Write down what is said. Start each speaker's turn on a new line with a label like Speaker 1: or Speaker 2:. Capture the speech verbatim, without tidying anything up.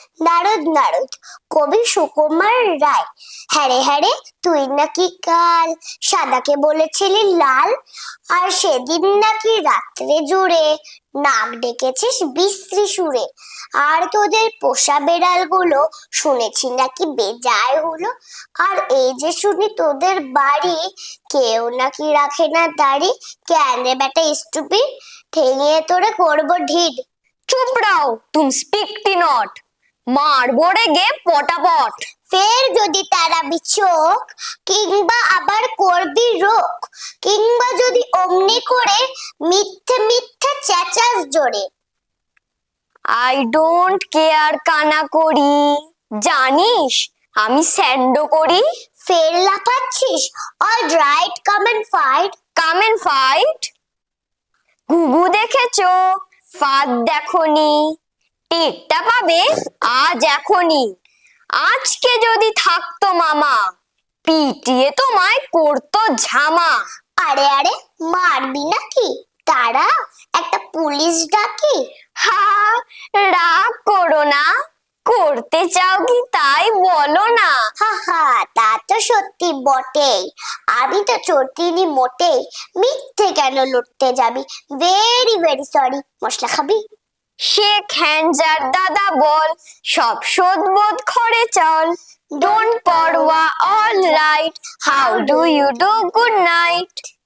Speaker 1: নারদ নারদ কবি সুকুমার রায়। হ্যারে হ্যারে তুই নাকি কাল সাদাকে বলেছিলি লাল, আর সেদিন নাকি রাত্রে জুড়ে নাক ডেকেছিস বিশ্রী সুরে। আর তোদের পোষা বেড়ালগুলো শুনেছি নাকি বেজায় হলো। আর এই যে শুনি তোদের বাড়ি কেউ নাকি রাখে না দাড়ি। কেন রে বেটা স্টুপিড, ঠেঙিয়ে তোরে করবো ঢিড।
Speaker 2: চুপ রাও, তুম স্পিকটি নট, মারবো রে গে পটাপট।
Speaker 1: ফের যদি তারাবি চোখ, কিংবা আবার করবি রোক, কিংবা যদি অমনি করে মিথ্যে মিথ্যে চেঁচাস জোরে।
Speaker 2: আই ডোন্ট কেয়ার কানা করি, জানিস আমি স্যান্ডো করি।
Speaker 1: ফের লাফাচ্ছিস, all right come and fight.
Speaker 2: Come and fight? ঘুঘু দেখেছো, ফাঁদ দেখনি, টেরটা পাবে আজ এখনই। আজকে যদি থাকতো মামা, পিটিয়ে তোমায় করতো ঝামা।
Speaker 1: আরে আরে মারবি নাকি, তারা একটা পুলিশ ডাকি।
Speaker 2: হা, রাগ করো না, করতে চাও কি তাই বলো না।
Speaker 1: হা হা, তা তো সত্যি বটেই, আমি তো চটিনি মোটেই। মিথ্যে কেন লড়তে যাবি, ভেরি ভেরি সরি। মশলা খাবি?
Speaker 2: শেখ হ্যান্ডজার দাদা বল, সব শোধ বোধ করে চল। ডোন্ট পরোয়া, all right, how do you do, good night.